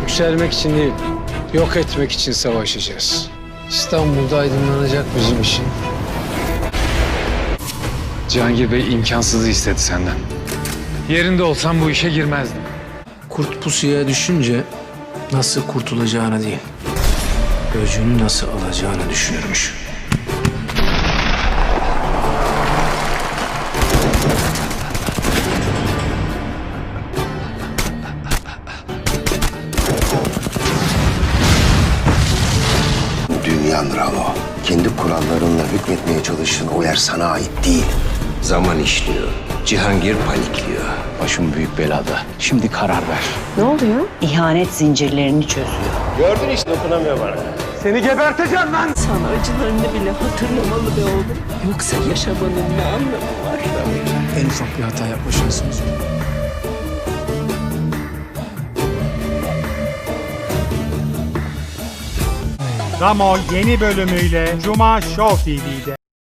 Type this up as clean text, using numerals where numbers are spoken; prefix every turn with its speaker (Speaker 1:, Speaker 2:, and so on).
Speaker 1: Yükselmek için değil, yok etmek için savaşacağız. İstanbul'da aydınlanacak bizim için.
Speaker 2: Cihangir Bey imkansızı istedi senden. Yerinde olsam bu işe girmezdim.
Speaker 1: Kurt pusuya düşünce nasıl kurtulacağını değil, gözünü nasıl alacağını düşünürmüş.
Speaker 3: Dünyan Ramo. Kendi kurallarınla hükmetmeye çalıştığın o yer sana ait değil.
Speaker 4: Zaman işliyor. Cihangir panikliyor.
Speaker 3: Başım büyük belada. Şimdi karar ver.
Speaker 5: Ne oluyor?
Speaker 6: İhanet zincirlerini çözüyor.
Speaker 4: Gördün işte, dokunamıyor bana.
Speaker 5: Sana acılarını bile hatırlamalı be oğlum. Yoksa yaşamanın ne anlamı var?
Speaker 1: En ufak bir hata yapma şansımız yok.
Speaker 7: Ramo yeni bölümüyle Cuma Show TV'de.